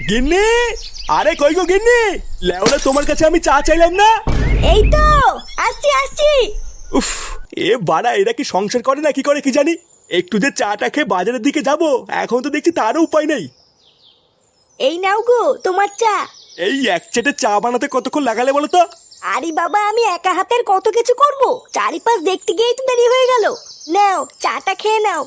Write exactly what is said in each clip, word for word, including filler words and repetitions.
গিন্নি, আরে কই গো গিন্নি, লেওরা তোমার কাছে আমি চা চাইলাম না? এই তো আসছি আসছি। উফ, এ বাড়া এরা কি সংসার করে না কি করে কি জানি। একটু যে চাটা খেয়ে বাজারের দিকে যাব, এখন তো দেখছি তারও উপায় নেই। এই নাও গো তোমার চা। এই এক চেটে চা বানাতে কতক্ষণ লাগালে বলো তো? আরে বাবা, আমি একা হাতের কত কিছু করব, চারিপাশ দেখতে গিয়েই তো দেরি হয়ে গেল। নাও চাটা খেয়ে নাও।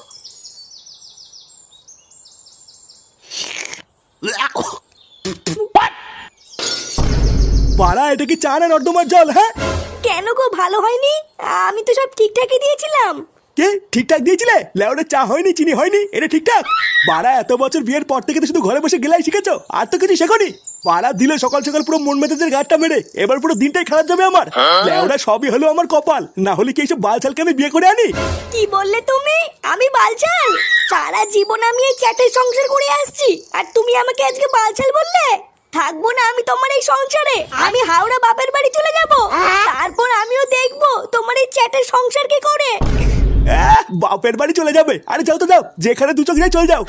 বাড়া এটা কি চা না নর্দমার জল? হ্যাঁ কেন গো, ভালো হয়নি? আমি তো সব ঠিকঠাকই দিয়েছিলাম। কে ঠিকঠাক দিয়েছিলে? লেওরা চা হয়নি, চিনি হয়নি, এটা ঠিকঠাক? বাড়া এত বছর বিয়ের পর থেকে তো শুধু ঘরে বসে গেলাই শিখেছো, আর তো কিছু শেখনি। বাড়া দিল সকাল সকাল পুরো মন মেজাজের গাঁটটা মেরে, এবার পুরো দিনটাই খারাপ যাবে আমার। লেওরা সবই হলো আমার কপাল, না হলে কি এইসব বালছালকে আমি বিয়ে করে আনি? কি বললে তুমি? আমি বালছাল? সারা জীবন আমি এই চ্যাটের সংসার করে আসছি, আর তুমি আমাকে আজকে বালছাল বললে? থাকবো না আমি তোমার এই সংসারে। আমি হাওড়া বাপের বাড়ি চলে যাব, তারপর আমিও দেখবো তোমার এই চ্যাটের সংসার কি করে। আহ, বাপের বাড়ি চলে যাবে? আরে যাও তো যাও, যেখানে দু চোখ যায় চলে যাও।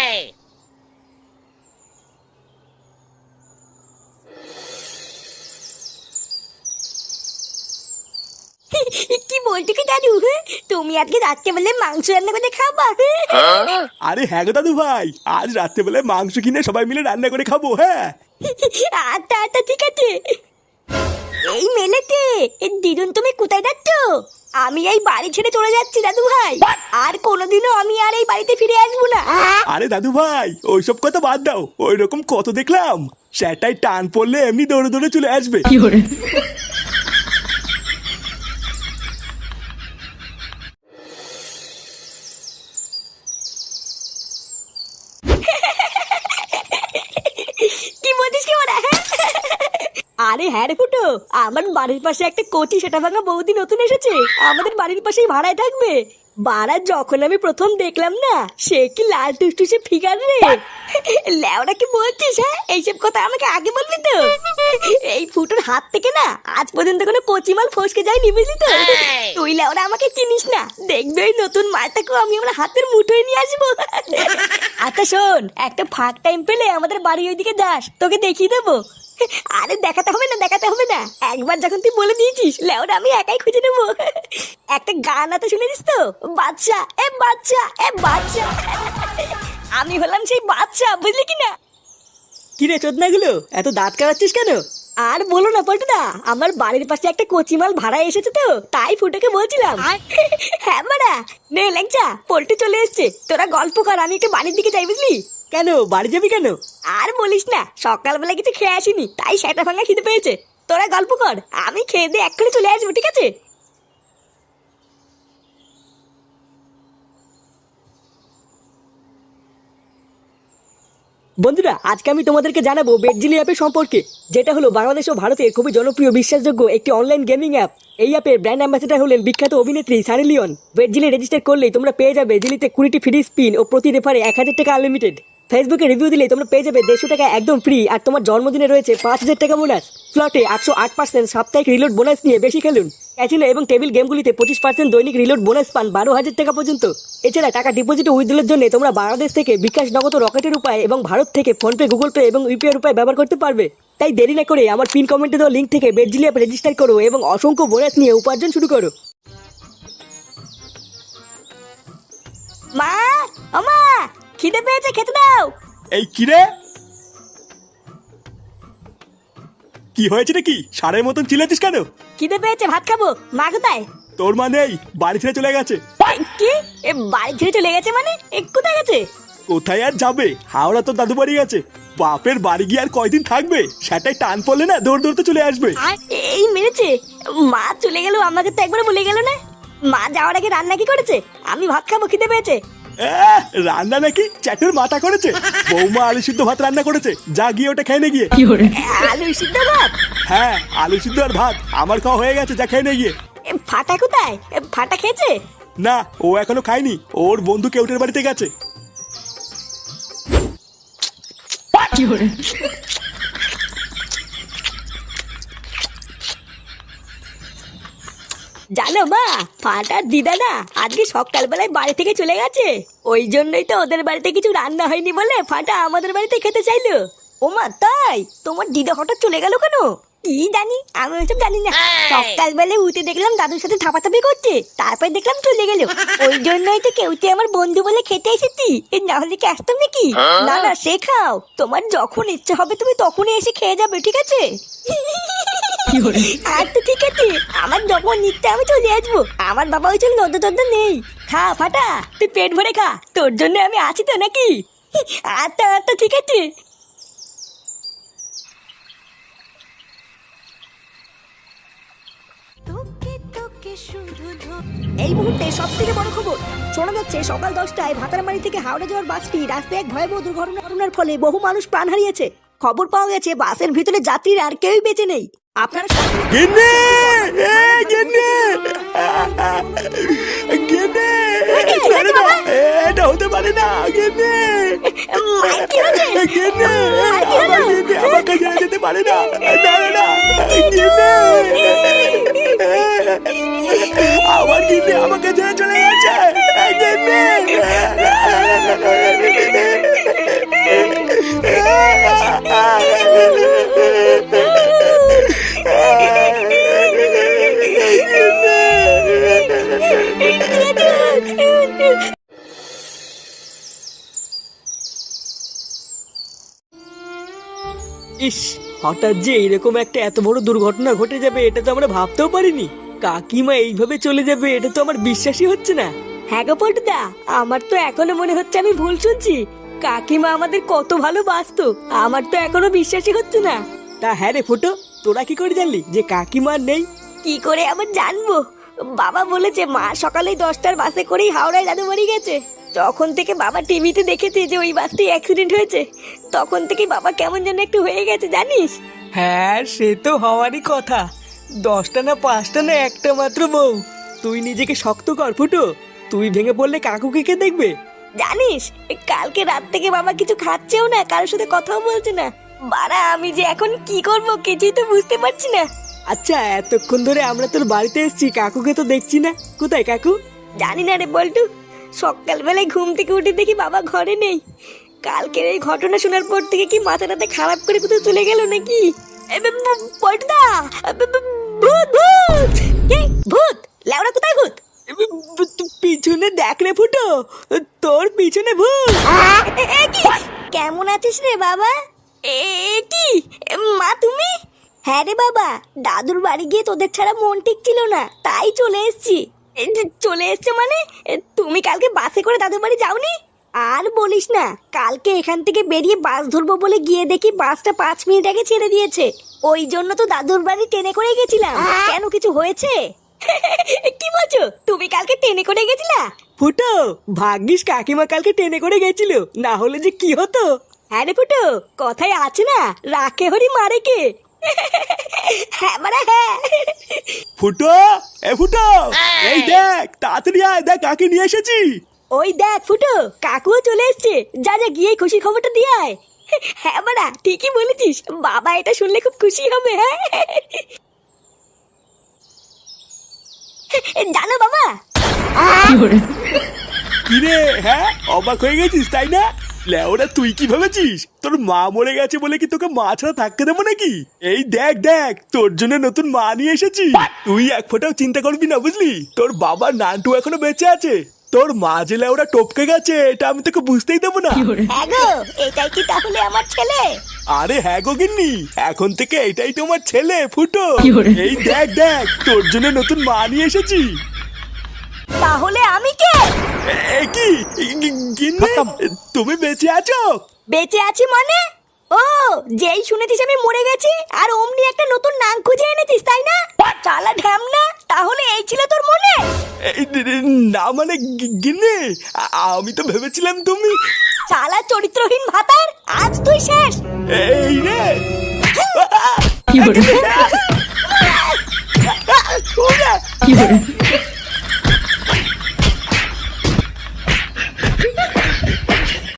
কি বলছো কি দাদু? তুমি আজকে রাত্রেবেলা মাংস রান্না করে খাবা? আরে হ্যাঁ গো দাদু ভাই, আজ রাত্রেবেলা মাংস কিনে সবাই মিলে রান্না করে খাবো। হ্যাঁ আচ্ছা আচ্ছা ঠিক আছে। এই মেলেতে দিদুন, তুমি কোথায় যাচ্ছ? আমি এই বাড়ি ছেড়ে চলে যাচ্ছি দাদু ভাই, আর কোনোদিনও আমি আর এই বাড়িতে ফিরে আসবো না। আরে দাদু ভাই ওইসব কথা বাদ দাও, ওই রকম কত দেখলাম। সেটাই টান পড়লে এমনি দৌড়ে দৌড়ে চলে আসবে। কি বলছিস কি ওরা? আরে হ্যাঁ রে ফুটো, আমার বাড়ির পাশে একটা কচি সেটা ভাঙা বৌদি নতুন এসেছে, আমাদের বাড়ির পাশেই ভাড়ায় থাকবে। বাড়া যখন আমি প্রথম দেখলাম না, সে কি লাল টুসটুসে ফিগার রে। ল্যাওড়া কি বলছিস? হ্যাঁ এইসব কথা আমাকে আগে বলবি তো। এই ফুটোর হাত থেকে না আজ পর্যন্ত কোনো কচি মাল ফসকে যায়নি, বুঝলি তো? তুই ল্যাওড়া আমাকে চিনিস না, দেখবে ওই নতুন মালটাকেও আমি আমার হাতের মুঠোয় নিয়ে আসবো। আচ্ছা শোন, একটা ফাঁক টাইম পেলে আমাদের বাড়ি ওইদিকে যাস, তোকে দেখিয়ে দেবো। আরে দেখাতে হবে না, দেখাতে হবে না, একবার যখন তুই বলে দিয়েছিস লেওরা আমি একাই খুঁজে নেবো। একটা গান আছে শুনেছিস তো? বাচ্চা এ বাচ্চা এ বাচ্চা। আমি হলাম সেই বাচ্চা, বুঝলি কি না? কিরে চোদনাগুলো, এত দাঁত কাটাচ্ছিস কেন? আর বলো না পল্টুদা, আমার বাড়ির পাশে একটা কচিমাল ভাড়া এসেছে তো, তাই ফুটোকে বলছিলাম। হ্যাঁ মারা, নে ল্যাংচা, পল্টু চলে এসছে, তোরা গল্প কর, আমি একটু বাড়ির দিকে যাই, বুঝলি? কেন বাড়ি যাবি কেন? আর বলিস না, সকালবেলা কিছু খেয়ে আসিনি, তাই সেটা ভাঙা খিদে পেয়েছে। তোরা গল্প কর, আমি খেয়ে দিয়ে এক্ষুনি চলে আসবো, ঠিক আছে? বন্ধুরা, আজকে আমি তোমাদেরকে জানাবো বেডজিলি অ্যাপের সম্পর্কে, যেটা হলো বাংলাদেশ ও ভারতের খুবই জনপ্রিয় বিশ্বাসযোগ্য একটি অনলাইন গেমিং অ্যাপ। এই অ্যাপের ব্র্যান্ড অ্যাম্বাসেডর হলেন বিখ্যাত অভিনেত্রী সানি লিওন। বেডজিলি রেজিস্টার করলেই তোমরা পেয়ে যাবে জিলিতে কুড়িটি ফ্রি স্পিন ও প্রতি রেফারে এক হাজার টাকা আনলিমিটেড। ফেসবুকে রিভিউ দিলেই তোমরা পেয়ে যাবে দেড়শো টাকা একদম ফ্রি, আর তোমার জন্মদিনে রয়েছে পাঁচ হাজার টাকা বোনাস। স্লটে আটশো আট পার্সেন্ট সাপ্তাহিক রিলোড বোনাস নিয়ে বেশি খেলুন। ক্যাসিনো এবং টেবিল গেমগুলিতে পঁচিশ পার্সেন্ট দৈনিক রিলোড বোনাস পান বারো হাজার টাকা পর্যন্ত। এছাড়া টাকা ডিপোজিট ও উইথড্রলের জন্য তোমরা বাংলাদেশ থেকে বিকাশ, নগদ, রকেটের উপায় এবং ভারত থেকে ফোনপে, গুগল পে এবং ইউপিআই উপায় ব্যবহার করতে পারবে। তাই দেরি না করে আমার পিন কমেন্টে দেওয়া লিঙ্ক থেকে বেডজিলি অ্যাপ রেজিস্টার করো এবং অসংখ্য বোনাস নিয়ে উপার্জন শুরু করো। মা, ও মা, খিদে পেয়েছে, খেতে দাও। এই কিরে, কি হয়েছে নাকি? সারের মতন চিল্লাচ্ছিস কেন? খিদে পেয়েছে, ভাত খাবো। মা কোথায়? তোর মা নেই, বাড়ি ছেড়ে চলে গেছে। কি? এ বাড়ি ছেড়ে চলে গেছে মানে? এ কোথায় গেছে? কোথায় আর যাবে, হাওড়া তো দাদু বাড়ি গেছে। বাপের বাড়ি গিয়ে আর কয়দিন থাকবে, সেটাই টান পড়লে না দৌড় দৌড়তে চলে আসবে। এই মেরেছে, মা চলে গেল, আমাকে তো একবার বলে গেল না। মা যাওয়ার আগে রান্না কি করেছে? আমি ভাত খাবো, খিদে পেয়েছে। আহ, রান্না নাকি চ্যাটের মাথা করেছে? বৌমা আলু সিদ্ধ ভাত রান্না করেছে, যা গিয়ে ওটা খেয়ে নে গিয়ে। আলু সিদ্ধ ভাত? হ্যাঁ আলু সিদ্ধ আর ভাত আমার খাওয়া হয়ে গেছে, যা খেয়ে নে গিয়ে। এ, ফাটা কোথায়? এ, ফাটা খেয়েছে? না, ও এখনো খায়নি, ওর বন্ধু কেউটের বাড়িতে গেছে। জানো মা, ফাটার দিদা না আজকে সকালবেলায় বাড়ি থেকে চলে গেছে। ওই জন্যই তো ওদের বাড়িতে কিছু রান্না হয়নি বলে ফাটা আমাদের বাড়িতে খেতে চাইলো। ও মা তাই? তোমার দিদা হঠাৎ চলে গেল কেন? কি জানি, আমি ওসব জানি না। সকালবেলা উঠে দেখলাম দাদুর সাথে থাপাথাপি করছে, তারপর দেখলাম চলে গেল। ওই জন্যই তো কেউতে আমার বন্ধু বলে খেতে এসেছি, না হলে কি আসতাম নাকি? না না, সে খাও, তোমার যখন ইচ্ছা হবে তুমি তখনই এসে খেয়ে যাবে, ঠিক আছে? আর তো ঠিক আছে, আমার যখন ইচ্ছা আমি চলে আসবো। আমার বাবা ওই জন্য নদ্য টদ্য নেই। খা ফাটা, তুই পেট ভরে খা, তোর জন্য আমি আছি তো নাকি? আচ্ছা আচ্ছা ঠিক আছে। এই মুহূর্তে সব থেকে বড় খবর শোনা যাচ্ছে, সকাল দশটায় ভাতারমারি থেকে হাওড়া যাওয়ার বাসটি রাস্তায় এক ভয়াবহ দুর্ঘটনার ফলে বহু মানুষ প্রাণ হারিয়েছে। খবর পাওয়া গেছে বাসের ভিতরে যাত্রীরা আর কেউই বেঁচে নেই। আপনারা গিন্নি! এ, গিন্নি! গিন্নি! ছেড়ে দাও! এটা হতে পারে না, গিন্নি! গিন্নি! আমার গিন্নি আমাকে ছেড়ে যেতে পারে না। না, না, না! গিন্নি! আমার গিন্নি আমাকে ছেড়ে চলে গেছে। গিন্নি! ইস, হঠাৎ যে এরকম একটা এত বড় দুর্ঘটনা ঘটে যাবে এটা তো আমরা ভাবতেও পারিনি। কাকিমা এইভাবে চলে যাবে এটা তো আমার বিশ্বাসই হচ্ছে না। হ্যাঁ গো পল্টুদা, আমার তো এখনো মনে হচ্ছে আমি ভুল শুনছি। কাকিমা আমাদের কত ভালোবাসতো, আমার তো এখনো বিশ্বাসই হচ্ছে না। তা হ্যাঁ রে ফুটো, তোরা কি করে জানলি যে কাকিমা নেই? কি করে আবার জানবো? বাবা বলেছে মা সকালে দশটার বাসে করেই হাওড়ায় দাদু বাড়ি গেছে। যখন থেকে বাবা টিভিতে দেখেছে যে ওই বাসটি অ্যাক্সিডেন্ট হয়েছে, তখন থেকে বাবা কেমন যেন একটু হয়ে গেছে জানিস। হ্যাঁ, সে তো হওয়ারই কথা। দশটা না পাঁচটা না একটা মাত্র বউ। তুই নিজেকে শক্ত কর ফুটো, তুই ভেঙে পড়লে কাকুকে কে দেখবে? জানিস কালকে রাত থেকে বাবা কিছু খাচ্ছেও না, কারোর সাথে কথাও বলছে না। বাড়া, আমি যে এখন কি করব কিছুই তো বুঝতে পারছি না। আচ্ছা, এতক্ষণ ধরে আমরা তোর বাড়িতে এসেছি, কাকুকে তো দেখছি না। কোথায় কাকু? জানি না রে বল্টু, সকালবেলায় ঘুম থেকে উঠে দেখি বাবা ঘরে নেই। কালকের এই ঘটনা শোনার পর থেকে কি মাথাটাতে খারাপ করে কোথাও চলে গেল নাকি? পল্টুদা, ভূত ভূত! কি ভূত? লেওড়া কোথায় ভূত? পিছনে দেখ রে ফুটো, তোর পিছনে ভূত। কেমন আছিস রে বাবা? এ কি মা তুমি? হ্যাঁ রে বাবা, দাদুর বাড়ি গিয়ে তোদের ছাড়া মন ঠিক ছিল না, তাই চলে এসেছি। চলে এসছো মানে? তুমি কালকে বাসে করে দাদুর বাড়ি যাওনি? আর বলিস না, কালকে এখান থেকে বেরিয়ে বাস ধরবো বলে গিয়ে দেখি বাসটা পাঁচ মিনিট আগে ছেড়ে দিয়েছে। ওই জন্য তো দাদুর বাড়ি ট্রেনে করে গেছিলাম। কেন, কিছু হয়েছে? কি বলছো, তুমি কালকে ট্রেনে করে গেছিলা? ফুটো, ভাগ্যিস কাকিমা কালকে ট্রেনে করে গেছিল, না হলে যে কি হতো। হ্যাঁ রে ফুটো, কথায় আছে না, রাখে হরি মারে কে। হ্যাঁ মারা হ্যাঁ। ফুটো! এ ফুটো! এই দেখ, তাড়াতাড়ি আয়, দেখ কাকে নিয়ে এসেছি। ওই দেখ ফুটো, কাকুও চলে এসছে। যা যা গিয়ে খুশি খবরটা দিয়ে আয়। হ্যাঁ মারা, ঠিকই বলেছিস, বাবা এটা শুনলে খুব খুশি হবে। হ্যাঁ জানো বাবা, কিরে, হ্যাঁ অবাক হয়ে গেছিস তাই না? লেওরা, তুই কি ভেবেছিস তোর মা মরে গেছে বলে কি তোকে মা ছাড়া থাকতে দেবো নাকি? এই দেখ দেখ, তোর জন্য নতুন মা নিয়ে এসেছি। তুই এক ফোঁটাও চিন্তা করবি না, বুঝলি? তোর বাবা নান্টু এখনো বেঁচে আছে। তোর মা যে লেওরা টপকে গেছে এটা আমি তোকে বুঝতেই দেবো না। হ্যাঁ গো, এটাই কি তাহলে আমার ছেলে? আরে হ্যাঁ গো গিন্নি, এখন থেকে এটাই তোমার ছেলে ফুটো। এই দেখ দেখ, তোর জন্য নতুন মা নিয়ে এসেছি। তাহলে আমি কে? এ কি গিন্নি, তুমি বেঁচে আছো? বেঁচে আছি মানে? ও, যেই শুনেছিস আমি মরে গেছি আর অমনি একটা নতুন নাম খুঁজে এনেছিস তাই না? চালা ঢ্যামনা, তাহলে এই ছিল তোর মনে? না মানে গিন্নি, আমি তো ভেবেছিলাম তুমি। চালা চরিত্রহীন ভাতার, আজ তুই শেষ। এই রে, কি করে?